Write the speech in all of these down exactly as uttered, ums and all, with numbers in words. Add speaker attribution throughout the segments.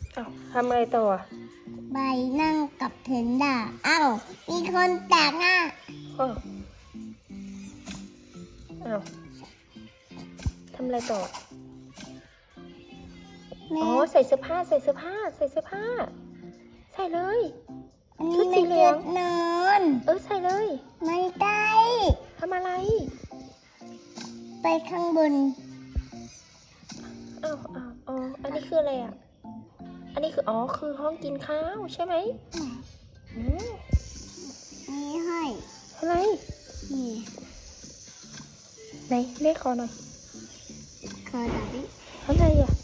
Speaker 1: อ้าวทำอะไรต่อ
Speaker 2: ใบนั่งกับเพนด้าอ้าวมีคนแตกหน้า
Speaker 1: อ้าวอ้าวทำอะไรต่อ
Speaker 2: แม่
Speaker 1: อ๋อ ใส่เสื้อผ้า ใส่เสื้อผ้า ใส่เสื้อผ้า ใส่เลย
Speaker 2: อัน
Speaker 1: ชุ
Speaker 2: นี้
Speaker 1: ดสี
Speaker 2: ไม่
Speaker 1: เหลื
Speaker 2: เจ็
Speaker 1: อง
Speaker 2: บนอน
Speaker 1: เออ ใส่เลย
Speaker 2: ไม่ได้
Speaker 1: ทำอะไร
Speaker 2: ไปข้างบน
Speaker 1: อ้าวอ้าวอ๋อ อันนี้คืออะไรอ่ะ อันนี้คือ อ๋อ คือห้องกินข้าวใช่ไหมอืม
Speaker 2: นี่ให้
Speaker 1: อะไร
Speaker 2: นี่
Speaker 1: ไหนเรียกขอหน่อย
Speaker 2: คอดับบี้
Speaker 1: อะไรอ่ะ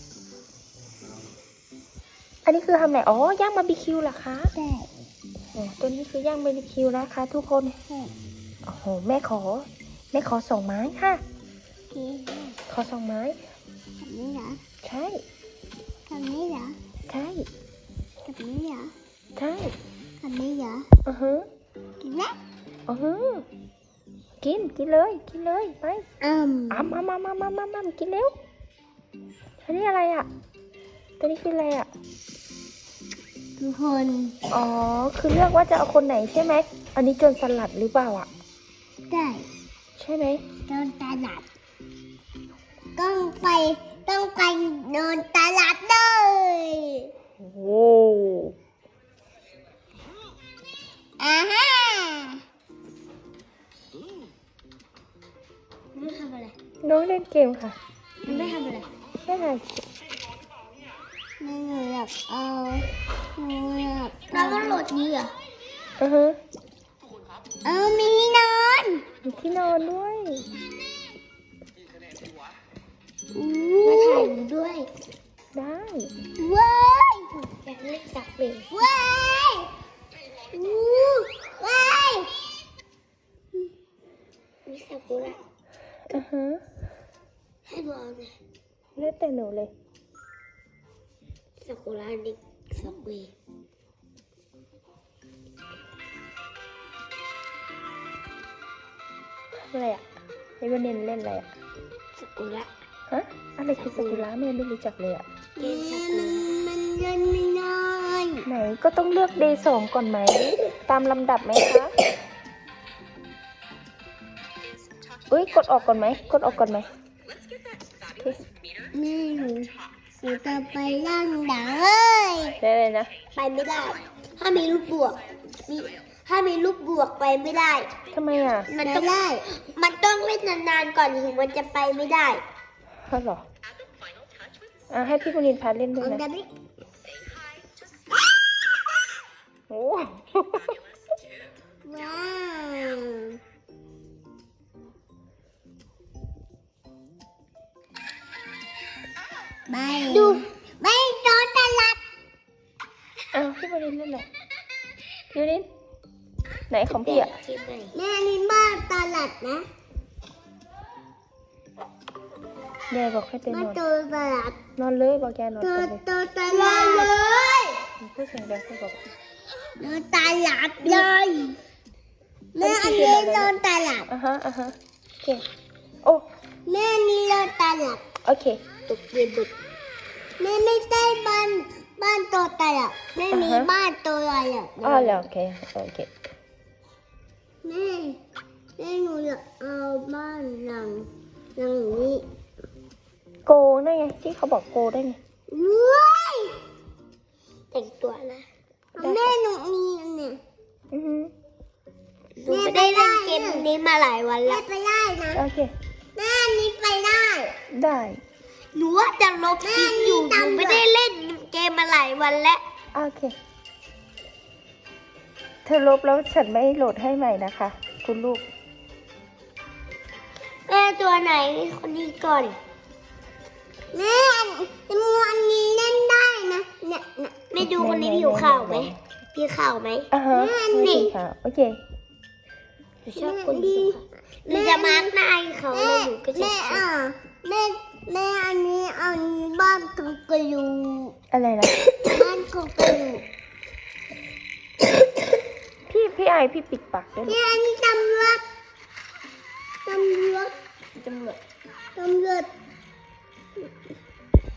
Speaker 1: อันนี้คือทำไหน อ๋อย่างบาร์บีคิวเหรอคะ
Speaker 2: ได้
Speaker 1: โอ้ตัวนี้คือย่างบาร์บีคิวนะคะทุกคน
Speaker 2: ให้
Speaker 1: โอ้โห แม่ขอ แม่ขอสองไม้ค่ะ
Speaker 2: นี่ให้
Speaker 1: ขอสองไม้
Speaker 2: กับนี้เหรอ
Speaker 1: ใช่
Speaker 2: กับนี้เหรอ
Speaker 1: ใช่
Speaker 2: กับนี้เหรอ
Speaker 1: ใช่
Speaker 2: กับนี้เหรอ
Speaker 1: อือฮึ
Speaker 2: กินแล้ว
Speaker 1: อือฮึกิน กินเลย กินเลย ไป
Speaker 2: อืม
Speaker 1: อ้ำอ้ำอ้ำอ้ำอ้ำอ้ำอ้ำกินเร็ว อันนี้อะไรอ่ะ ตัวนี้คืออะไรอ่ะ
Speaker 2: ทุกคน
Speaker 1: อ๋อ คือเลือกว่าจะเอาคนไหนใช่ไหม อันนี้โจรสลัดหรือเปล่าอ่ะ
Speaker 2: ได้
Speaker 1: ใช่ไหม
Speaker 2: โดนตลาดต้องไปต้องไปโดนตลาดเลย
Speaker 1: โอ้โห
Speaker 2: อ่าฮะไม่ทำอะไร
Speaker 1: น้องเล่นเกมค่ะ
Speaker 2: ไม่ทำอะไร
Speaker 1: ไม่ถ่าย
Speaker 2: ไม่หนูอยากเอาหนูอยากเราต้องโหลดนี้เหรอ
Speaker 1: อือฮึ
Speaker 2: เอามีที่นอน
Speaker 1: มีที่นอนด้วย
Speaker 2: มาถ่ายหนูด้วย
Speaker 1: ได้
Speaker 2: ว้าย
Speaker 1: อยากเล่นสักเลย
Speaker 2: ว้ายอู้ว้ายมีซากุระ
Speaker 1: อือฮึ
Speaker 2: ให้ดูเอาเลย
Speaker 1: เล่นแต่หนูเลย
Speaker 2: ซากุระเด็กสักเว
Speaker 1: อะไรอ่ะไอ้วันเนนเล่นอะไรอ่ะ
Speaker 2: ซากุระ
Speaker 1: ฮะ อะไรคือซากุระแม่ไม่รู้จักเลยอ่ะ
Speaker 2: เล่นซากุระมันเล่นไม่ได้
Speaker 1: ไหนก็ต้องเลือกเดย์สองก่อนไหม ตามลำดับไหมคะเอ้ย กดออกก่อนไหม กดออกก่อนไหมโอเค
Speaker 2: แม่หนูหนูจะไปล่างดังเลย
Speaker 1: ได้เลยนะ
Speaker 2: ไปไม่ได้ ถ้ามีลูกบวกมีถ้ามีลูกบวกไปไม่ได้
Speaker 1: ทำไมอ่ะ
Speaker 2: มันต้องได้ มันต้องเล่นนานๆก่อนถึงมันจะไปไม่ได้
Speaker 1: เพราะหรอ อ่ะให้พี่บุรินทร์พาเล่นด้วย
Speaker 2: มัน
Speaker 1: นะ
Speaker 2: จะไม่
Speaker 1: โอ้
Speaker 2: ว้าวไม่ดูไม่โดนตลาด
Speaker 1: อ้าวพี่บุรินทร์เล่นอะไรพี่บุรินทร์ไหนของพี่อ่ะ
Speaker 2: แม่นี่บ้านตลาดนะ
Speaker 1: ยายบอกให้ไป
Speaker 2: มาน
Speaker 1: อน
Speaker 2: โดนตลาด
Speaker 1: นอนเลยบอกยายนอน
Speaker 2: โด
Speaker 1: ไป
Speaker 2: น
Speaker 1: เลย
Speaker 2: โดนตลาดเลย
Speaker 1: พูดเสียงดังพูดบอก
Speaker 2: โดนตลาดเลยแม่อันนี้โดนตลาด
Speaker 1: อ่ะฮะอ่ะฮะโอเค โอ้
Speaker 2: แม่นี่โดนตลาด
Speaker 1: โอเค
Speaker 2: ตกเย็นบึกแม่ไม่ใช่บ้านบ้านตัวตลาดแม่มีบ้านตัวตลาด
Speaker 1: อ๋อแล้วโอเค โอเค
Speaker 2: แม่แม่หนูอยากเอาบ้านหลังหลังนี้
Speaker 1: โกได้ไงที่เขาบอกโกได้ไง
Speaker 2: ว้ายแต่งตัวนะแม่หนูมีอันเนี่ย
Speaker 1: อือฮึ
Speaker 2: หนูไม่ได้เล่นเกมนี้มาหลายวันแล้วไปได้นะ
Speaker 1: โอเค
Speaker 2: แม่นี้ไปได้
Speaker 1: ได้
Speaker 2: หนูว่าจะลบคลิปอยู่หนูไม่ได้เล่นเกมมาหลายวันแล้ว
Speaker 1: โอเค เธอลบแล้วฉันไม่โหลดให้ใหม่นะคะ คุณลูก
Speaker 2: แม่ตัวไหนคนนี้ก่อนแม่มูอันนี้เล่นได้นะเนี่ยเนี่ยไม่ดูคนนี้ผิวขาวไหมผิวขาวไหม
Speaker 1: อ่าฮะ
Speaker 2: แม่
Speaker 1: ไม่
Speaker 2: นี่
Speaker 1: สีขาวโอเค
Speaker 2: หนูชอบคนผิวขาวหนูจะมาร์กหน้าให้เขาเลยหนูก็จะแม่อ่ะแม่แม่อันนี้อันนี้บ้านของกระยู
Speaker 1: อะไรนะ
Speaker 2: บ้านของกระยู
Speaker 1: พี่พี่ไอพี่ปิดปากด้วย
Speaker 2: แม่อันนี้ตำรวจตำรวจ
Speaker 1: ตำรวจ
Speaker 2: ตำรวจ